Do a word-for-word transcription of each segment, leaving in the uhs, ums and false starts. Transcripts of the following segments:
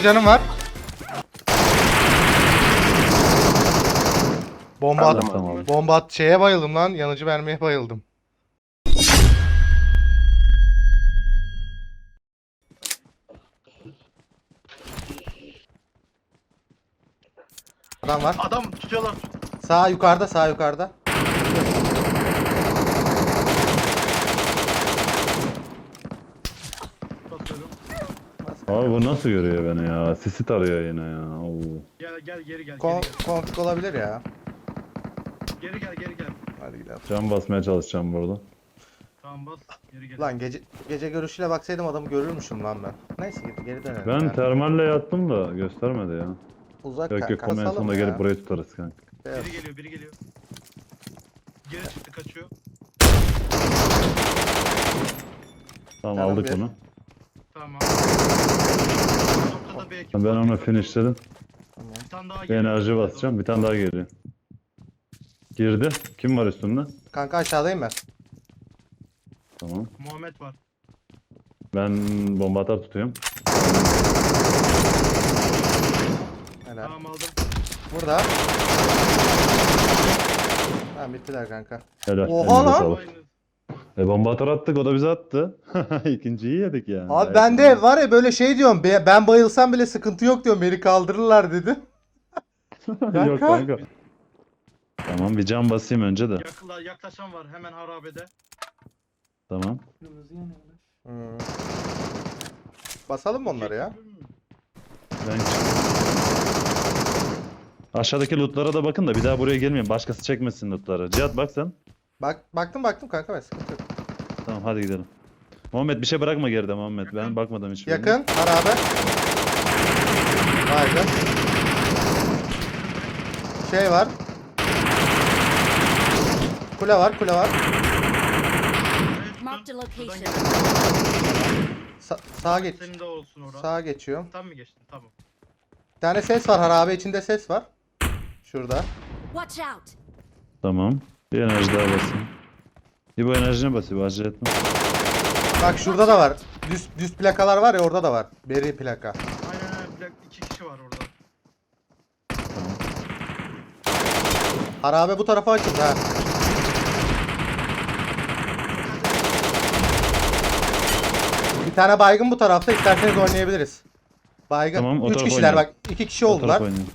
canım var. Bomba at. Tamam. Bomba at. Şeye bayıldım lan. Yanıcı mermiye bayıldım. Adam var. Adam tutuyorlar. Sağ yukarıda, sağ yukarıda. Basıyorum. Abi bu nasıl görüyor beni ya? Sisi tarıyor yine ya. Oo. Gel gel geri gel. Kon Geri gel. konflik olabilir ya. Geri gel geri gel. Hadi gidelim. Can basmaya çalışacağım burada. Tamam bas. Geri gel. Lan gece gece görüşüyle baksaydım adamı görürmüşüm lan ben. Neyse geri, geri dönelim. Ben yani. termalle yattım da göstermedi ya. Uzak Yok yok kanka, en salım sonunda ya. gelip burayı tutarız kanka. Evet. Biri geliyor biri geliyor. Geri çıktı kaçıyor. Tamam Tamam, aldık bir. onu. Tamam. Noktada bir ekip Ben var, onu dikkatli ol. finishledim. Bir tane daha Bir geliyor. enerji basacağım. Bir tane daha geliyor. Girdi. Kim var üstünde? Kanka aşağıdayım ben. Tamam. Muhammed var. Ben bomba atar tutuyorum. Helal. Tamam aldım. Burada. Tamam bittiler kanka. Helal. Oha elinize lan! sağlık. Aynı. E bomba atar attık o da bize attı. İkinciyi yedik yani. Abi ben de var ya böyle şey diyorum. be- Ben bayılsam bile sıkıntı yok diyorum. Beni kaldırırlar dedi. Yok kanka. Tamam bir can basayım önce de. Yakla, yaklaşan var hemen harabede. Tamam. Hmm. Basalım mı onları ya? Ben aşağıdaki lootlara da bakın da bir daha buraya gelmeyin. Başkası çekmesin lootları. Cihat bak sen. Bak baktım baktım kanka ben sıkıntı yok. Tamam hadi gidelim. Muhammed bir şey bırakma geride Muhammed. Ben bakmadım hiçbirine. Yakın harabe. Baygın. Şey var. Kule var kule var. Marked a Şuradan location. gel. Sa sağa geç. Senin de olsun orada. Sağa geçiyorum. Tam mı geçtin? Tamam. Bir tane ses var harabe içinde ses var. Şurada. Watch out! Tamam. Bir enerji daha basayım. Bir bu enerjine basayım. Acele etme. Bak şurada da var. Düz düz plakalar var ya orada da var. Beri plaka. Aynen aynen. Plak, iki kişi var orada. Harabe bu tarafa açıldı ha. Bir tane baygın bu tarafta isterseniz oynayabiliriz. Baygın. Tamam, o Üç tarafa kişiler oynayalım. bak. iki kişi O oldular. tarafa oynayalım.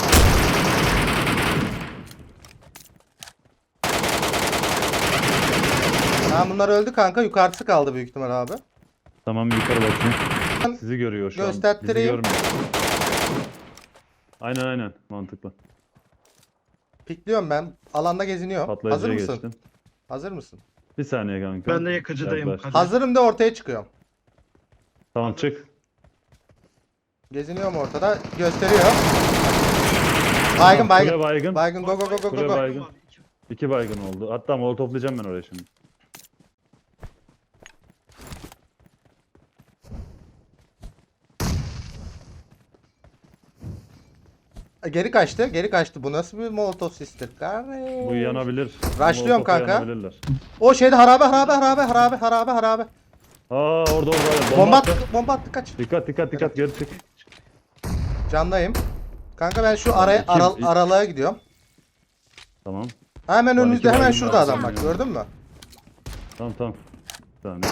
Tamam bunlar öldü kanka. Yukarısı kaldı büyük ihtimal abi. Tamam yukarı bakayım. Sizi görüyor şu an. Bizi Gösterttireyim. görmüyor. Aynen aynen. Mantıklı. Pikliyorum ben. Alanda geziniyorum. Hazır Patlayıcıya mısın? geçtim. Hazır mısın? Bir saniye kanka. Ben de yakıcıdayım. Yaklaş. Kadir. Hazırım da ortaya çıkıyorum. Tamam çık. Geziniyorum ortada. Gösteriyor. Baygın baygın. Kule baygın. Baygın go go go go go. Kule go. baygın. Var, iki. İki baygın oldu. Hatta molotoflayacağım ben oraya şimdi. Geri kaçtı. Geri kaçtı. Bu nasıl bir molotof sistem? Bu yanabilir. Rushlıyorum Molotofla kanka. yanabilirler. O şeyde harabe harabe harabe harabe harabe harabe. Aa orada orada. Bomba, Bomba attı. attı. Bomba attı kaç. Dikkat dikkat dikkat geri çık. Candayım. Kanka ben şu araya İki- aral, iki- aralığa gidiyorum. Tamam. Hemen Şu an önümüzde iki hemen baygın şurada var, adam bak sanıyorum. gördün mü? Tamam tamam. Bir saniye.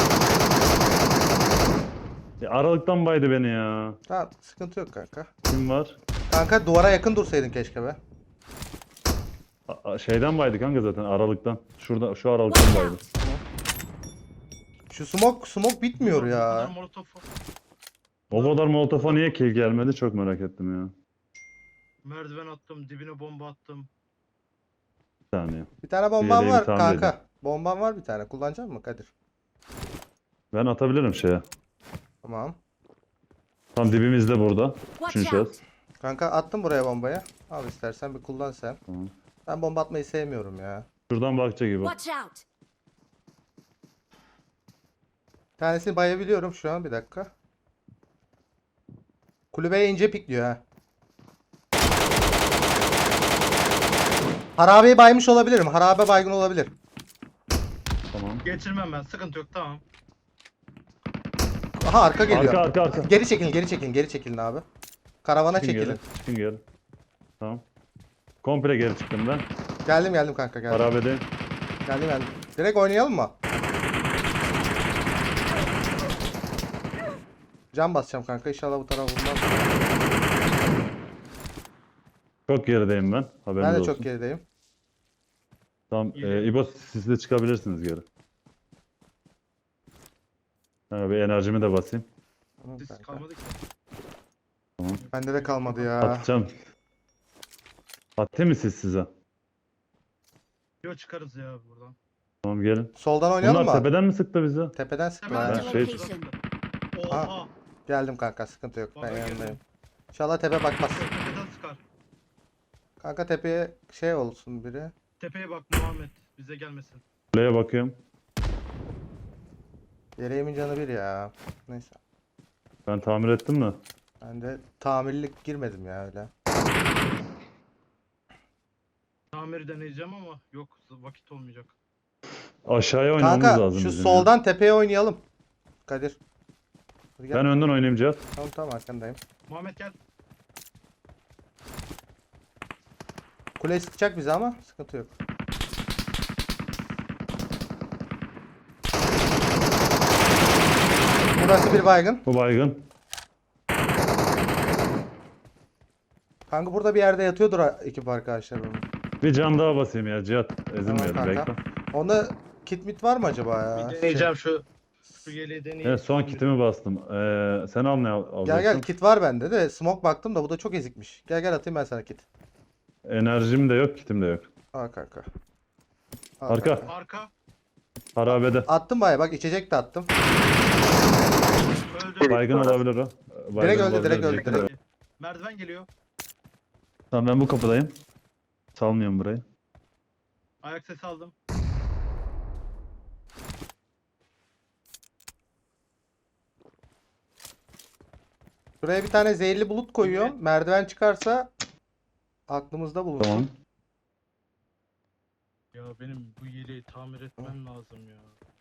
Ya, aralıktan baydı beni ya. Tamam sıkıntı yok kanka. Kim var? Kanka duvara yakın dursaydın keşke be. A- a- şeyden baydı kanka zaten aralıktan. Şurada şu aralıktan baydı. Şu smoke smoke bitmiyor Bu ya. kadar molotof. O kadar molotofa niye kill gelmedi çok merak ettim ya. Merdiven attım. Dibine bomba attım. Bir saniye. Bir tane bomban yeleğimi var tamir kanka. edeyim. Bomban var bir tane. Kullanacak mısın Kadir? Ben atabilirim şeye. Tamam. Tam dibimizde burada. Watch Üçüncü out! şahıs. Kanka attım buraya bombayı. Al istersen bir kullan sen. Tamam. Ben bomba atmayı sevmiyorum ya. Watch Şuradan bakacak gibi. Watch out! Bir tanesini bayabiliyorum şu an bir dakika. Kulübeye ince pikliyor ha. Harabeyi baymış olabilirim. Harabe baygın olabilir. Tamam. Geçirmem ben. Sıkıntı yok. Tamam. Aha arka geliyor. Arka arka arka. Geri çekilin, geri çekilin, geri çekilin abi. Karavana Çıkın çekilin. geri. Çıkın geri. Tamam. Komple geri çıktım ben. Geldim geldim kanka geldim. Harabedeyim. Geldim geldim. Direkt oynayalım mı? Can basacağım kanka. İnşallah bu taraf bulmaz. Çok gerideyim ben. Haberiniz Ben de olsun. çok gerideyim. Tamam. Geri. E, İbo siz de çıkabilirsiniz geri. Ha, bir enerjimi de basayım. Tamam Siz kanka. kalmadık ya. Bende de kalmadı ya. Atacağım. Atayım mı siz size? Yo çıkarız ya buradan. Tamam gelin. Soldan oynayalım Bunlar mı? tepeden mi sıktı bizi? Tepeden sıktı. Hemen ha. Ben şey- Location. Oha. Geldim kanka sıkıntı yok. Baba Ben geldim. yanındayım. İnşallah tepe bakmaz. Tepeden sıkar. Kanka tepeye şey olsun biri. Tepeye bak Muhammed. Bize gelmesin. Kuleye bakıyorum. Yereğimin canı bir ya. Neyse. Ben tamir ettim de. Ben de tamirlik girmedim ya öyle. Tamiri deneyeceğim ama yok vakit olmayacak. Aşağıya oynamamız Kanka lazım şu bizim soldan tepeye oynayalım. Kadir. Hadi ya. gel. Ben önden oynayayım Cihat. Tamam tamam arkandayım. Muhammed gel. Kule sıkacak bizi ama sıkıntı yok. Burası bir baygın. Bu baygın. Kanka burada bir yerde yatıyordur ha- ekip arkadaşlar onun. Bir can daha basayım ya Cihat. Ezilmeyelim Tamam kanka. bekle. Onda kit mit var mı acaba ya? Bir deneyeceğim şu. Şu yeleği deneyeyim. Evet son kitimi bastım. Ee, sen al ne al Gel alacaksın? gel kit var bende de smoke baktım da bu da çok ezikmiş. Gel gel atayım ben sana kit. Enerjim de yok, kitim de yok. Al kanka. Al Arka. kanka. Arka. Harabede. Attım baya bak içecek de attım. Öldü. Baygın olabilir o. Baygın Direkt öldü, olabilir direkt öldü, diyecektim direkt. de. Merdiven geliyor. Tamam ben bu kapıdayım. Salmıyorum burayı. Ayak sesi aldım. Şuraya bir tane zehirli bulut koyuyorum. Evet. Merdiven çıkarsa aklımızda bulunsun. Tamam. Ya benim bu yeleği tamir etmem lazım ya.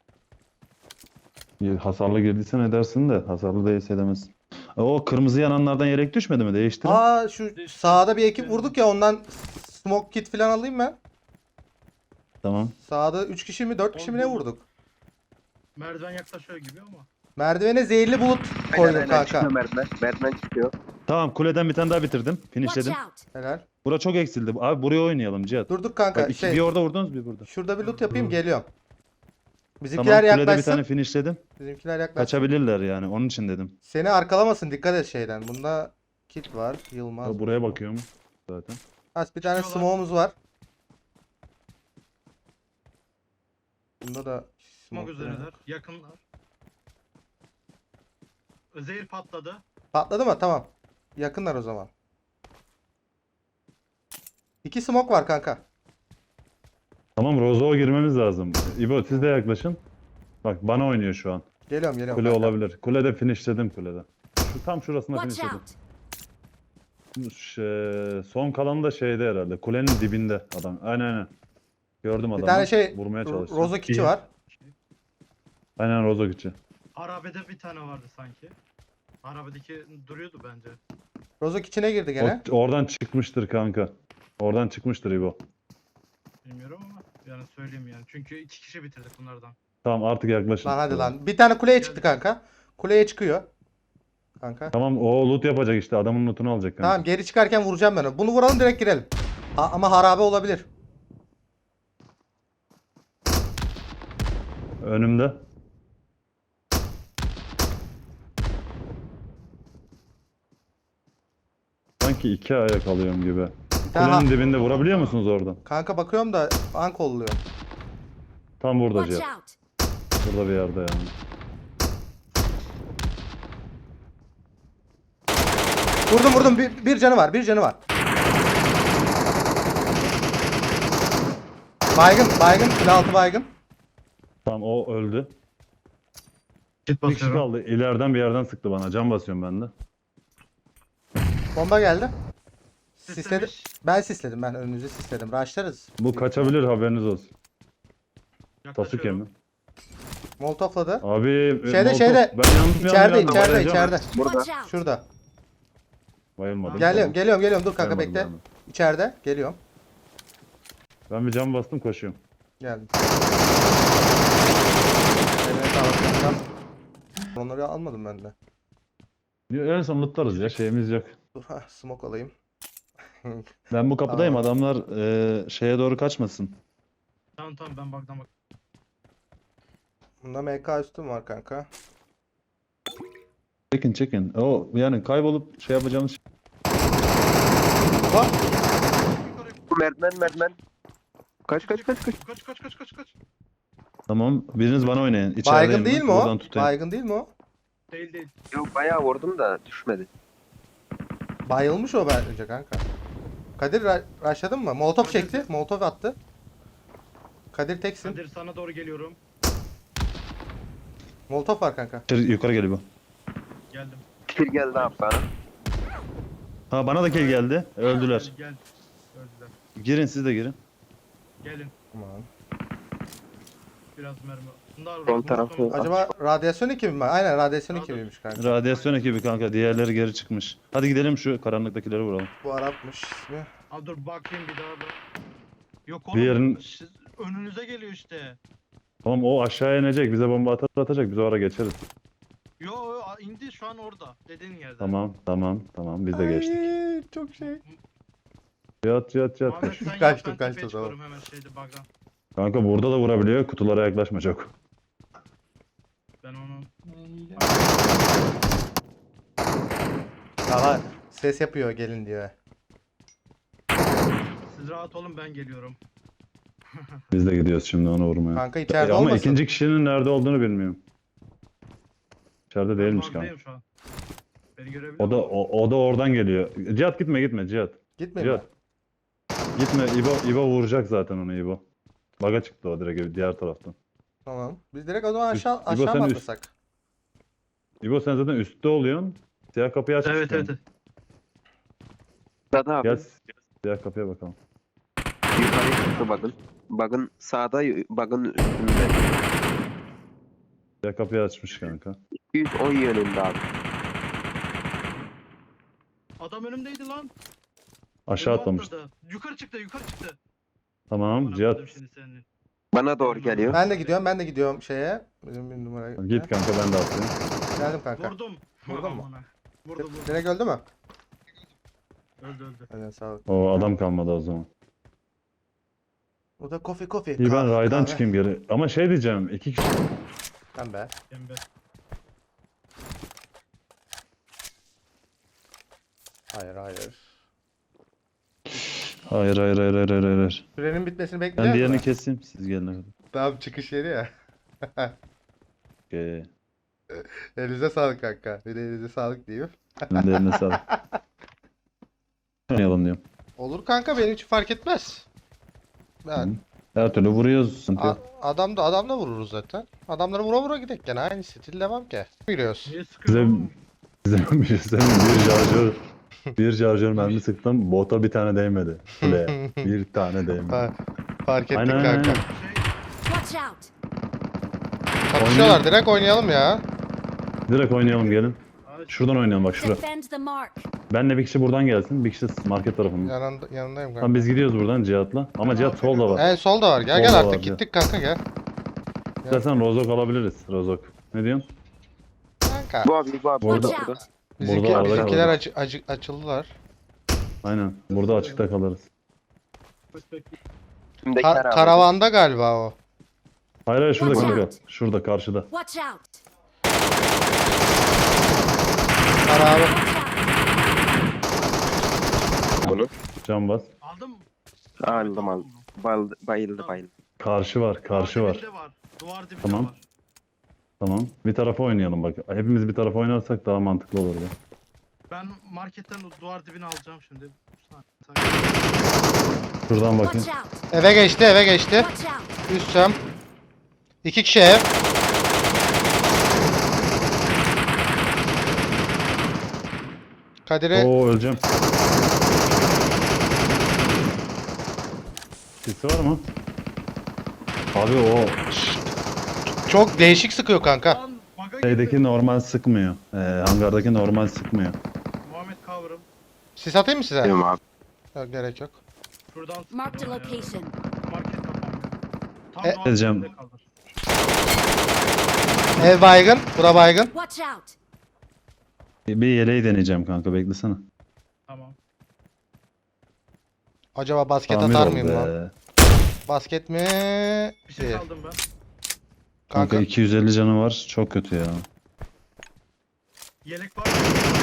Hasarlı girdiysen edersin de hasarlı değilse edemezsin. O kırmızı yananlardan yelek düşmedi mi? Değiştirin. Aa şu sağda bir ekip vurduk ya ondan smoke kit falan alayım ben. Tamam. Sağda üç kişi mi dört kişi mi ne Oldu. vurduk? Merdiven yaklaşıyor gibi ama. Merdivene zehirli bulut Aynen, koydum aynen. kanka. Çıkıyor merdiven. Merdiven çıkıyor. Tamam kuleden bir tane daha bitirdim. Watch Finishledim. out. Helal. Bura çok eksildi. Abi buraya oynayalım Cihat. Dur dur kanka Bak, iki, şey bir orada vurdunuz bir burada. şurada bir loot yapayım geliyorum. Tamam Bizimkiler kulede bir yaklaşsın. tane finishledim. Bizimkiler yaklaşsın. Kaçabilirler yani onun için dedim. Seni arkalamasın dikkat et şeyden. Bunda kit var. Yılmaz. Ya buraya bakıyorum zaten. Az bir tane Çıkıyorlar. smoke'umuz var. Bunda da Smoke smoke üzereler. Yakınlar. Zehir patladı. Patladı mı? Tamam. Yakınlar o zaman. İki smoke var kanka. Tamam Rozo'ya girmemiz lazım. İbo siz de yaklaşın. Bak bana oynuyor şu an. Geliyorum geliyorum Kule kanka. olabilir. Kulede finishledim kulede. Şu tam şurasında Watch finishledim. out. Şey, son kalan da şeyde herhalde. Kulenin dibinde adam. Aynen aynen. Gördüm adamı. Bir tane şey Vurmaya Ro- çalıştım. Rozo kiti İyi. var. Aynen Rozo kiti. Harabede bir tane vardı sanki. Harabedeki duruyordu bence. Rozo kitine girdi gene. O, oradan çıkmıştır kanka. Oradan çıkmıştır İbo. Bilmiyorum ama yani söyleyeyim yani. Çünkü iki kişi bitirdik bunlardan. Tamam artık yaklaşın. Lan hadi lan. Bir tane kuleye çıktı kanka. Kuleye çıkıyor. Kanka. Tamam o loot yapacak işte. Adamın lootunu alacak kanka. Tamam geri çıkarken vuracağım ben onu. Bunu vuralım direkt girelim. Ha, ama harabe olabilir. Önümde. Sanki iki ayak alıyorum gibi. Aha. Kulenin dibinde vurabiliyor musunuz oradan? Kanka bakıyorum da an kolluyor. Tam burada Watch Cihat. out. Burada bir yerde yani. Vurdum vurdum. Bir, bir canı var. Bir canı var. Baygın. Baygın. Kule altı baygın. Tamam o öldü. Kit Bir kişi kaldı. İleriden bir yerden sıktı bana. Can basıyorum ben de. Bomba geldi. Sisledim. Sislemiş. Ben sisledim. Ben önünüzü sisledim. Rushlarız. Bu kaçabilir haberiniz olsun. Sasuke Yaklaşıyorum. mi? Molotofladı. Abi Şeyde, Molotov- şeyde. Ben yandım İçeride yandım, içeride yandım. içeride. Burada. Watch out. Şurada. Bayılmadım. Geliyorum Tamam. geliyorum geliyorum dur kanka Bayılmadım, bekle. bayılmadım. İçeride geliyorum. Ben bir cam bastım koşuyorum. Geldim. Eline sağlık kankam. Onları almadım ben de. En son lootlarız ya şeyimiz yok. Dur ha smoke alayım. Ben bu kapıdayım Aa. adamlar eee, şeye doğru kaçmasın. Tamam tamam ben baktan bak. Bunda M K üstüm var kanka. Çekin çekin. O yani kaybolup şey yapacağımız şey- Bak. Bu merdiven merdiven. Kaç kaç kaç kaç. Kaç kaç kaç kaç kaç. Tamam biriniz bana oynayın. İçerideyim Baygın değil ben. mi o? Buradan tutayım. Baygın değil mi o? Değil değil. Yok bayağı vurdum da düşmedi. Bayılmış o bence kanka. Kadir ra- rushladın mı? Molotov Kadir- çekti. Molotov attı. Kadir teksin. Kadir sana doğru geliyorum. Molotov var kanka. İçeri- Yukarı geliyor bu. Geldim. Kill geldi abi bana. Ha bana da kill geldi. Öldüler. Gel. gel. Öldüler. Girin siz de girin. Gelin. Aman. Biraz mermi. Bunlar Sol tarafı- Acaba radyasyon ekibi mi? Aynen radyasyon Radyo- ekibiymiş kanka. Radyasyon ekibi kanka. Diğerleri geri çıkmış. Hadi gidelim şu karanlıktakileri vuralım. Bu Arapmış ismi. Abi dur bakayım bir daha ben. Yok oğlum. Bir yerin- siz- önünüze geliyor işte. Tamam o aşağıya inecek. Bize bomba atar atacak. Biz o ara geçeriz. Yo yo, a- indi şu an orada. Dediğin yerde. Tamam tamam tamam. Biz de geçtik. Ay, çok şey. Yat yat yat. Muhammed sen yap, Kaçtım, ben kaçtım, tepeye tamam. çıkıyorum hemen şeyde bug'dan. Kanka burada da vurabiliyor. Kutulara yaklaşma çok. Ben onu Aha ses yapıyor gelin diyor. siz rahat olun ben geliyorum. Biz de gidiyoruz şimdi onu vurmaya. Kanka E, içeride ama olmasın. ikinci kişinin nerede olduğunu bilmiyorum. İçeride Ben değilmiş kanka. bug'dayım şu an. Beni görebiliyor O da musun? o, o da oradan geliyor. Cihat gitme gitme Cihat. Gitmeyin mi? Cihat. Gitme İbo İbo vuracak zaten onu İbo. Baga çıktı o direkt diğer taraftan. Tamam. Biz direkt o zaman aşağı İbo, aşağı sen mı üst- atlasak? İbo sen zaten üstte oluyorsun. Siyah kapıyı aç. Evet evet. evet. Sada abi. Gel siyah kapıya bakalım. Yukarı çıktı bakın. Bakın sağda bakın üstünde. Siyah kapıyı açmış kanka. yüz on yönünde abi. Adam önümdeydi lan. Aşağı Önüme atlamış. atladı. Yukarı çıktı yukarı çıktı. Tamam Bana Cihat. koydum şimdi senin. Bana doğru geliyor. Ben de gidiyorum ben de gidiyorum şeye. Bizim bir numara. Git kanka ben de atlayayım. Geldim kanka. Vurdum. Vurdun mu? Amına. Vurdu vurdu. Direkt öldü mü? Öldü öldü. Hadi sağ ol. O adam kalmadı o zaman. O da kofi kofi. İyi ben Kahve, raydan kahve. çıkayım geri. Ama şey diyeceğim. iki kişi. Ben be. Pembe. Hayır hayır. Hayır hayır hayır hayır hayır. hayır. Sürenin bitmesini Ben bekliyor diğerini musun? keseyim. Siz gelene kadar. Tamam çıkış yeri ya. Okey. Elinize sağlık kanka. Bir de elinize sağlık diyeyim. Ben de eline sağlık. Oynayalım diyorum. Olur kanka benim için fark etmez. Ben Her türlü vuruyoruz. Sıkıntı a- yok. adam da adam da vururuz zaten. Adamları vura vura gidek gene aynı stil devam ki. Giriyoruz. Niye sıkıyor? Size, oğlum? size bir şey söyleyeyim mi? Bir şarjör bir şarjör mermi sıktım. Bota bir tane değmedi. Kuleye. Bir tane değmedi. Fa- fark ettik Aynen, kanka. aynen. Şey, Watch out! Çatışıyorlar direkt oynayalım ya. Direkt oynayalım gelin. abi, Şuradan oynayalım bak şurada. Defend the mark. Benle bir kişi buradan gelsin. Bir kişi market tarafından. Yanında, yanındayım kanka. Tamam biz gidiyoruz buradan Cihat'la. Ama Cihat solda var. En solda var. Gel Solda gel var, artık gel. gittik kanka gel. İstersen rozok alabiliriz. Rozok. Ne diyorsun? Kanka. Bu abi bu abi. Burada- Watch burada. out! Bizimki, Burada arada bizimkiler kalırız. açı, acı, açıldılar. Aynen. Burada açıkta kalırız. perspektif. Üstümdeki Ka- araba. karavanda galiba o. Hayır hayır şurada Watch kanka. out. Şurada karşıda. Watch out! Karavan. Watch out! Bunu. Can bas. Aldım mı? Aldım aldım. Bayıldı bayıldı bayıldı. Karşı var. Karşı Duvar var. dibinde var. Duvar dibinde Tamam. var. Tamam. Bir tarafa oynayalım bak. Hepimiz bir tarafa oynarsak daha mantıklı olur. Ya. Ben marketten o duvar dibini alacağım şimdi. Saniye. Şuradan bakayım. Watch out! Eve geçti eve geçti. Watch out! Üst cam. İki kişi ev. Kadir'i Oo öleceğim. Sesi var mı? Abi o çok değişik sıkıyor kanka. Lan baga girdi. şeydeki normal sıkmıyor. Ee, hangardaki normal sıkmıyor. Muhammed cover'ım. Sis atayım mı size? Diyorum abi. Yok, gerek yok. Şuradan Marked a sıkıyor ya. location. Market kapanmıyor. Tam E- doğal Edeceğim. yerinde kalır. Ev baygın. Bura baygın. Watch out! Bir yeleği deneyeceğim kanka, beklesene. Tamam. Acaba basket Tamir atar ol mıyım lan? be. Basket mi? Bir şey Değil. aldım ben. Kanka Kanka. iki yüz elli canı var. Çok kötü ya. Yelek var mı?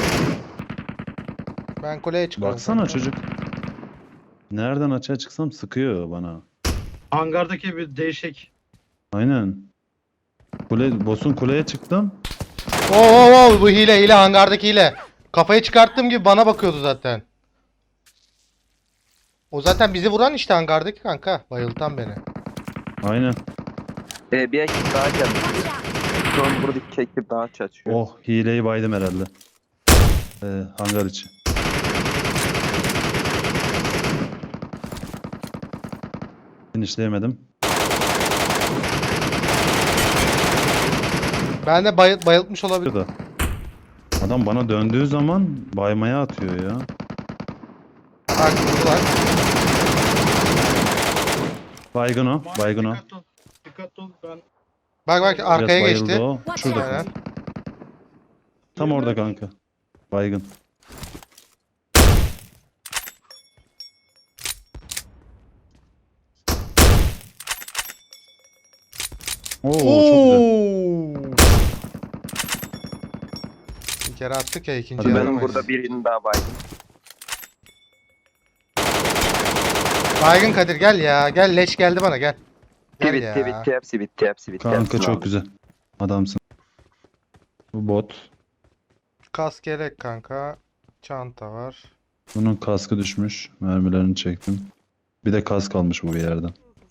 Ben kuleye çıkıyorum. Baksana kanka. çocuk. Nereden açığa çıksam sıkıyor bana. Hangardaki bir değişik. Aynen. Kule, boss'un kuleye çıktım. Oo, oo, oo, bu hile hile hangardaki hile. Kafayı çıkarttığım gibi bana bakıyordu zaten. O zaten bizi vuran işte hangardaki kanka. Bayıltan beni. Aynen. Ee, bir ekip daha geldi. Watch out! Şu an buradaki ekip daha çatışıyor. Oh, hileyi baydım herhalde. Ee, hangar içi. Finishleyemedim. Ben de bayıl bayıltmış olabilirim. Şurada. Adam bana döndüğü zaman baymaya atıyor ya. Bak vurdular. Baygın o. Muhammed, Baygın o. Dikkatli ol. Dikkatli ol. Ben Bak bak Biraz arkaya bayıldı geçti. o. Watch Şurada out. Aynen. kanka. Tam orada kanka. Baygın. Oo, çok güzel. Oo. Bir kere attık ya ikinci Hadi Benim yaramayız. burada birinin daha baygın. Baygın Kadir gel ya. Gel leş geldi bana gel. Gel Bitti ya. bitti hepsi bitti hepsi bitti. Kanka hepsini çok aldım. güzel. Adamsın. Bu bot. Kask gerek kanka. Çanta var. Bunun kaskı düşmüş. Mermilerini çektim. Bir de kask almış bu bir yerden.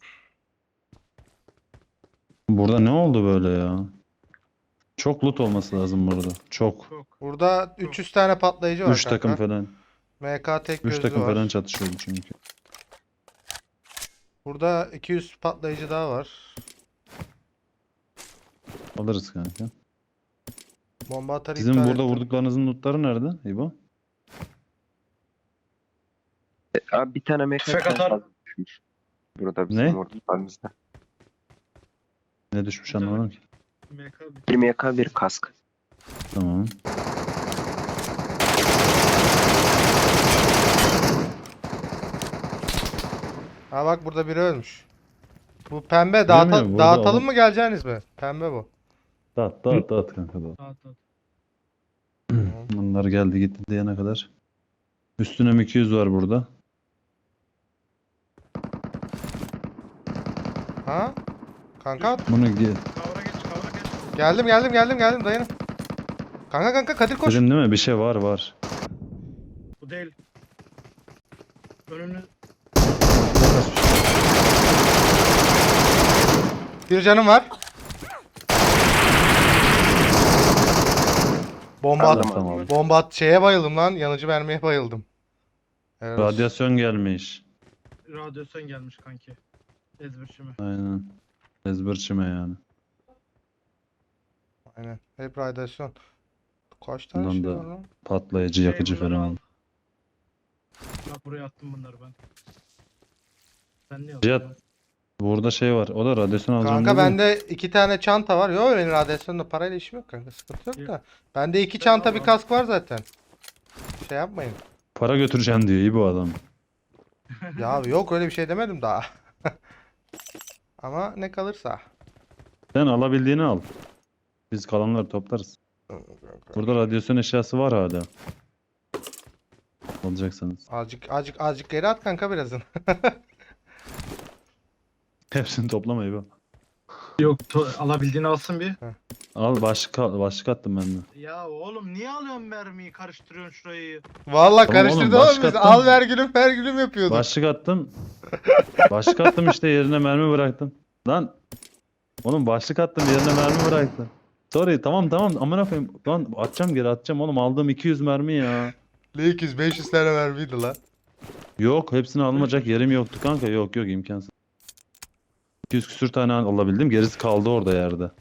Burada ne oldu böyle ya? Çok loot olması lazım burada. Çok. çok. Burada üç yüz tane patlayıcı var Üç kanka. takım falan. M K tek Üç gözlü takım var. falan çatışıyordu çünkü. Burada iki yüz patlayıcı daha var. Alırız kanka. Bomba atarı Sizin iptal burada ettim. vurduklarınızın lootları nerede İbo? E, Abi bir tane mekanik Tüfek atar. fazla düşmüş. Burada bizim Ne? vurduklarımızda. Ne düşmüş Güzel. anlamadım ki. M K bir. Bir M K bir kask. Tamam. Ha bak burada biri ölmüş. Bu pembe dağıta- Bilmiyorum, burada dağıtalım adam- mı geleceğiniz mi? Pembe bu. Dağıt dağıt dağıt kanka dağıt. Dağıt dağıt. Bunlar geldi gitti diyene kadar. Üstüne M iki yüz var burada. Ha? Kanka Bunu gi- Kavra geç kavra geç. geldim geldim geldim geldim dayanın. Kanka kanka Kadir koş. dedim değil mi? Bir şey var var. Bu değil. Önünü Bir canım var. Bomba at, Aldım, Tamam. bomba at şeye bayıldım lan. Yanıcı mermiye bayıldım. Evet. Radyasyon gelmiş. radyasyon gelmiş kanki. Ezberçimi. Aynen. Ezberçime yani. Aynen. Hep radyasyon. Kaç tane Bundan şey da- var lan? Patlayıcı, yakıcı Şey, bunları falan al. aldım. Bak buraya attım bunları ben. Sen ne Cihat, yapıyorsun? Burada şey var. O da radyasyon alacağım Kanka dedi. bende iki tane çanta var. Yo benim radyasyonla parayla işim yok kanka. Sıkıntı yok da. Bende iki Ben çanta al bir abi. kask var zaten. Şey yapmayın. Para götüreceğim diyor iyi bu adam. Ya abi yok öyle bir şey demedim daha. Ama ne kalırsa. Sen alabildiğini al. Biz kalanları toplarız. Burada radyasyon eşyası var hala. Alacaksanız. Azıcık azıcık azıcık geri at kanka birazın. Hepsini toplama İbo. Yok to- alabildiğini alsın bir. Al başlık, al- başlık attım ben de. Ya oğlum niye alıyorsun mermiyi karıştırıyorsun şurayı? Vallahi Tamam karıştırdı oğlum, oğlum biz. başka Al attım. ver gülüm ver gülüm yapıyorduk. Başlık attım. Başlık attım işte yerine mermi bıraktım. Lan. Oğlum başlık attım yerine mermi bıraktım. Sorry tamam tamam amına koyayım. Lan atacağım geri atacağım oğlum aldığım iki yüz mermi ya. Ne iki yüz beş yüz tane mermiydi lan. Yok hepsini alınacak yerim yoktu kanka yok yok imkansız. iki yüz küsür tane alabildim gerisi kaldı orada yerde.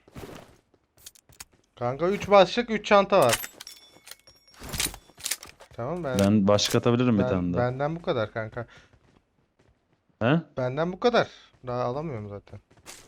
Kanka üç başlık üç çanta var. Tamam ben, Ben başlık atabilirim bir ben- tane daha. benden bu kadar kanka. He? Benden bu kadar. Daha alamıyorum zaten.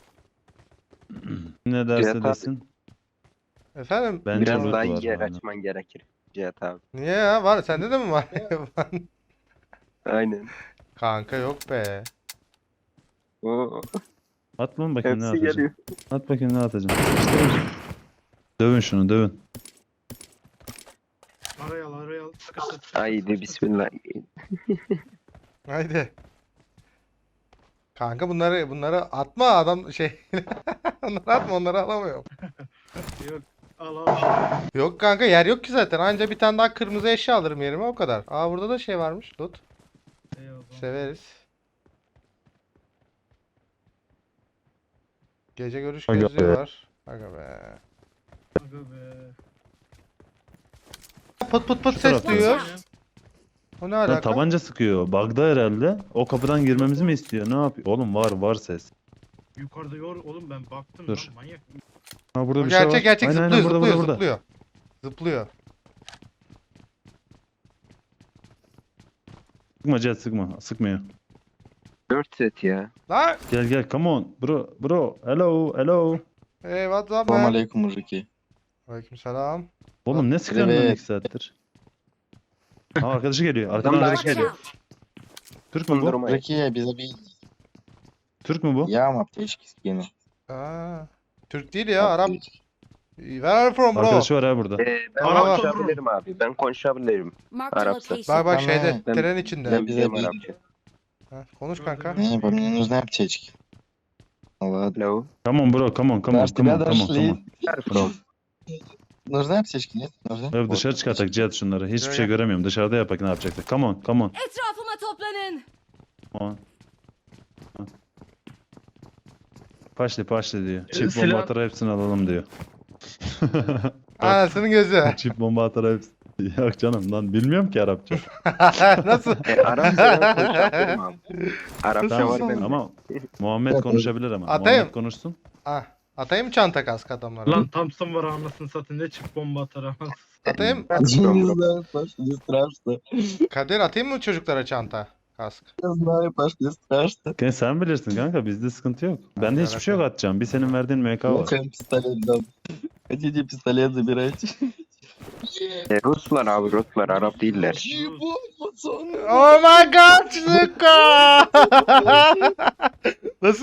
Ne derse Cihat abi. desin. Efendim? Bence Biraz loot daha var. iyi yer aynen. açman gerekir. Cihat abi. Niye ya? Var. Sende de mi var? Aynen. Kanka yok be. Oo, At lan bakayım ne hepsi atacağım. geliyor. At bakayım ne atacağım. Dövün şunu dövün. Araya al araya al. Sıkıştır. sıkıştır, Haydi sıkıştır. bismillah. Haydi. Kanka bunları bunları atma adam şey. Onları atma, onları alamıyorum. Yok. Al al. al. Yok kanka, yer yok ki zaten. Anca bir tane daha kırmızı eşya alırım yerime, o kadar. Aa burada da şey varmış. Loot. Eyvallah. Severiz. Gece görüş Aga gözlüğü be. var. Aga be. Aga be. Pıt pıt pıt Şu ses tarafta. duyuyor. Ya. O ne Lan alaka? tabanca sıkıyor. Bug'da herhalde. O kapıdan girmemizi mi istiyor? Ne yapıyor? Oğlum var var ses. Yukarıda yor oğlum ben baktım Dur. lan manyak. Ha burada O bir şey gerçek var. gerçek Aynen, zıplıyor aynen, burada, zıplıyor burada, burada. zıplıyor. Zıplıyor. Sıkma Cihat sıkma. Sıkmıyor. Dört set ya. Lan! Gel gel come on. Bro bro. Hello hello. Hey what's up Салам man? алейкум, мужики. Aleykümselam. Oğlum ne sıkıyorsun lan Evet. iki saattir? Ha arkadaşı geliyor. Arkadan Adam arkadaşı daha geliyor. Türk mü bu? Durmayın. Мужики, без обид. Türk mü bu? Я вам аптечки скину. Aa, Türk değil ya, Arap. Аптечки. Where are you from bro? Arkadaşı var ha burada. Ee, ben Arap konuşabilirim abi. Ben konuşabilirim. Marked a Arapça. location. Bak bak Tamam. şeyde, Ben- tren içinde. Ben bize biliyorum bir- Arapça. Ha, konuş kanka. Не, по мне нужны аптечки. Ладно. Hello. Come on bro come on come on Наш, come тебя on come on come дошли. on. From. Нужны aптечки, нет? Нужны? Evet, dışarı çıkartak Cihat şunları. Hiçbir Gel, şey gel. göremiyorum. Dışarıda yapak ne yapacaktık? Come on come on. Etrafıma toplanın. Come on. Ha. Paşli paşli diyor. Ee, Çift bomba silah- atar hepsini alalım diyor. Anasının gözü. Çift bomba atar hepsini. Yok canım lan bilmiyorum ki Arapça. Nasıl? E, Arapça ben konuşabilirim abi. Arapça Tamam, var benim. ama Muhammed konuşabilir ama. Atayım. Muhammed konuşsun. Ah, atayım mı çanta kask adamlara? Lan Thompson var anasını satın ne çık bomba atar anasını. Atayım. Я не знаю, Паш, не страшно. Kadir atayım mı çocuklara çanta kask? Я знаю, Паш, не страшно. Gel sen bilirsin kanka bizde sıkıntı yok. Bende hiçbir şey yok atacağım. Bir senin verdiğin M K var. Ну-ка, пистолет дам. Хотите пистолет, забирайте. E, Ruslar abi Ruslar Arap değiller. Ебать, пацаны. Oh my god, Zuka! Nasıl?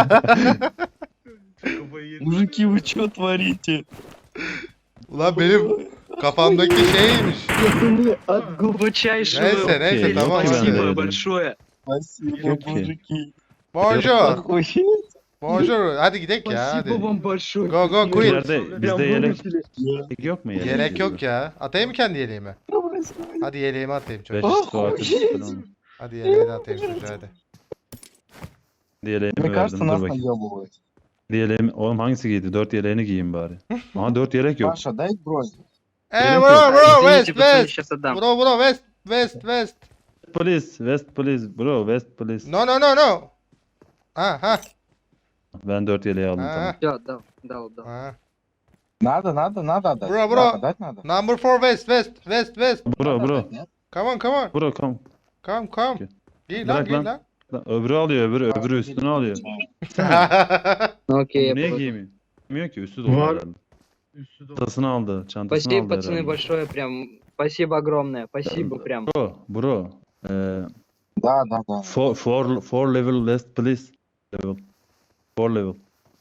Kafayı yedim. Мужики, вы что творите? Ulan benim kafamdaki şeymiş. От глубочайшего Neyse neyse Okey, tamam yok ki bende hadi. öyle. спасибо большое. Спасибо, Окей. мужики. Bonjour. Охуеть. Bonjour. Hadi gidelim ya hadi. Спасибо вам большое. Go go Bir quit. yerde bizde Прям yelek, выручили. yelek yok mu yelek? Yelek yok ya. Atayım mı kendi yeleğimi? Hadi yeleğimi atayım Beş çocuğa. su atış falan. Hadi yeleği de atayım çocuğa hadi. Yeleğimi Мне verdim кажется, dur нас bakayım. наебывают. Yeleğimi, oğlum hangisi giydi? Dört yeleğini giyeyim bari. Aha dört yelek yok. Паша, дай бронь. Hey Benim bro yok. bro west Извините, пацаны, west. сейчас отдам. Bro bro west west west. Polis, West Police, bro, West Police. No no no no. Ha ha. Ben dört yeleği aldım Ha. tamam. Все, отдал, дал, дал. ha. Надо, надо, надо отдать. Bro, bro. Да, отдать надо. Number four west west west west. Bro, Надо bro, отдать, нет? Come on come on. bro, come. Come come. Okey. Giy lan Bırak giy lan. lan. Lan öbürü alıyor, öbürü, öbürü üstünü alıyor. Ну окей, я Niye положу. giymiyor? Giymiyor ki, üstü dolu Var. herhalde. Üstü dolu. Çantasını aldı, çantasını Спасибо, aldı пацаны, herhalde. большое, прям. Спасибо огромное, спасибо прям. Bro, bro, eee, Да, да, да. four, four, four level West Police level. Four level.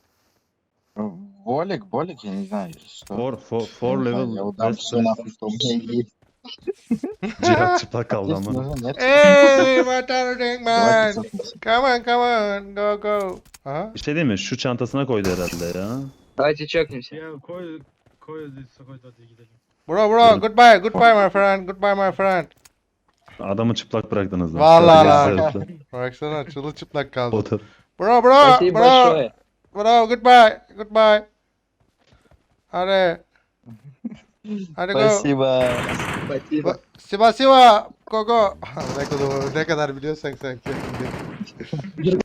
Волик, Болик, я не знаю, что. Four, four, four Я не знаю, level Я удам West все Police. нахуй, что у меня есть. Cihat çıplak kaldı Здесь ama. нужно, нет? Hey my darling man. Давайте сопнемся. Come on come on. Go go. Aha. Bir şey değil mi? Şu çantasına koydu herhalde ya. Давайте чекнемся. Ya koy koy koy hadi gidelim. Bro bro goodbye goodbye my friend. Goodbye my friend. Adamı çıplak bıraktınız lan. Vallahi Sadece lan. herifler. Baksana çırılçıplak kaldı. Otur. Bro bro Спасибо bro. большое. Bro goodbye goodbye. Hadi. Hadi go. Спасибо. Спасибо. Siva Siva. Go go. ne kadar ne kadar biliyorsan sen kendin.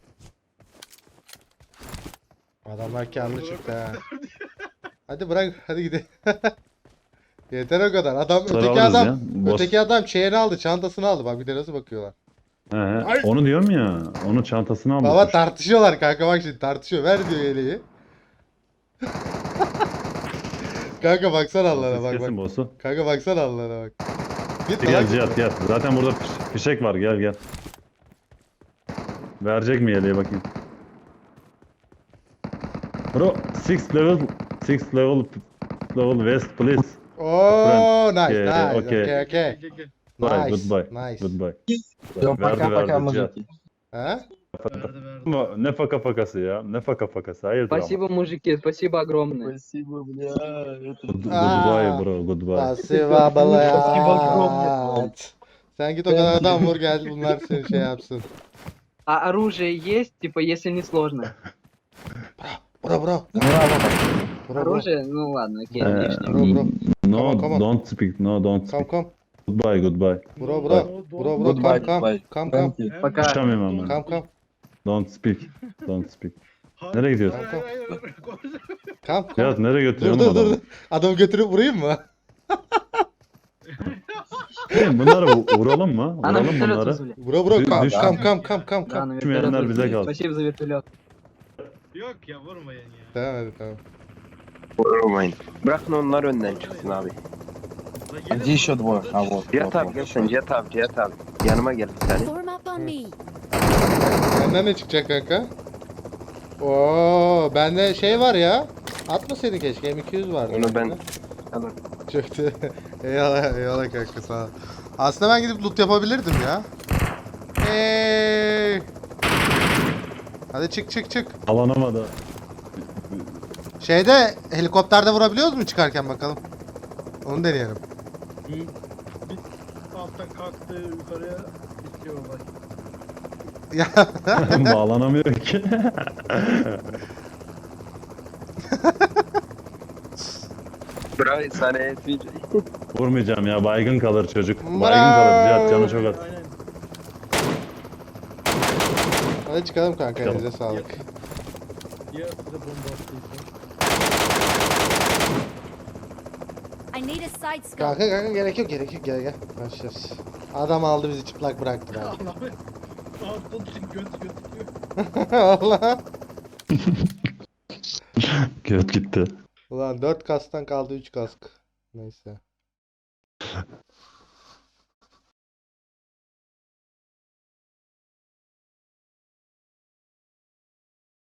Adamlar karlı çıktı ha. Hadi bırak hadi gidelim. Yeter o kadar. Adam öteki Sararız adam ya. Boş- öteki adam şeyini aldı, çantasını aldı. Bak bir de nasıl bakıyorlar. He, he. Onu diyorum ya. Onun çantasını aldı. Baba tartışıyorlar kanka, bak şimdi tartışıyor. Ver diyor yeleği. Kanka baksana Allah'ına bak Kesin bak. boss'u. Kanka baksana Allah'ına bak. Git Gel lan. Cihat gel. Zaten burada fiş- fişek var, gel gel. Verecek mi yeleği bakayım. Bro, six level, six level, level west please. Oo nice Okay, nice. okay. Okay okay. Gel, gel, gel. Bye, Nice. goodbye. Nice. Goodbye. Все, Verdi, пока-пока, verdi, Cihat. мужики. Ha? Verdi verdi. Ama ne faka fakası ya, ne faka fakası, hayırdır ama. Спасибо, мужики, спасибо огромное. Спасибо, бля. Это... Good- Aa. Goodbye bro, goodbye. Pasiva Спасибо balayat. Sen git o kadar adam vur gel bunlar seni şey yapsın. А оружие есть, типа, если не сложно? Bro bro. Браво. Bro bro. Оружие? Ну ладно, окей, Э, внешне, Bro окей. bro. No, Come on, come on. don't speak, no, don't Come speak. come. Goodbye, goodbye. Bro bro. Bro bro Goodbye, come come. goodbye. Come come. Thank you. Пока. Konuşamıyorum ama. Come come. Don't speak, don't speak. Hayır, Nereye gidiyorsun? hayır, hayır, hayır, koş. Come come. Cihat nereye Dur götürüyorsun dur dur. adamı? dur. Adamı götürüp vurayım mı? Hey, bunları vu- vuralım mı? А на Vuralım вертолет bunları. вызвали. Bro bro Düş- come düş- come come come come Да, come. на Düşmeyenler вертолет bize вызвали. kalsın. Спасибо за вертолет. Yok ya vurmayın ya. Tamam hadi tamam. Vurmayın. Bırakın onlar önden çıksın abi. La А gelin где еще двое? burada- А вот. Cihat вот, abi вот. gel sen Cihat abi Cihat abi. Yanıma gel bir tane. Form up on me. Benden ne çıkacak kanka? Oo bende şey var ya. Atmasaydın keşke, M iki yüz vardı. Onu ben bende. alırım. Çöktü. eyvallah eyvallah kanka sağ ol. Aslında ben gidip loot yapabilirdim ya. Hey. Hadi çık çık çık. Alanamadı. Şeyde helikopterde vurabiliyoruz mu çıkarken bakalım. Onu deneyelim. Bir, bir alttan kalktı yukarıya bitiyor bak. Ya Bağlanamıyor ki. Bravo sana esir. Vurmayacağım ya, baygın kalır çocuk. Baygın kalır Cihat, canı çok az. Aynen. hadi çıkalım kanka, Çıkalım. elinize sağlık. Ya size bomba attıysa. I need a side scope. Kanka kanka gerek yok gerek yok, gel gel. Başlarız. Adam aldı bizi çıplak bıraktı abi. Allah'ım. Altın için göt gözüküyor. Allah. Göt gitti. Ulan dört kasktan kaldı üç kask. Neyse.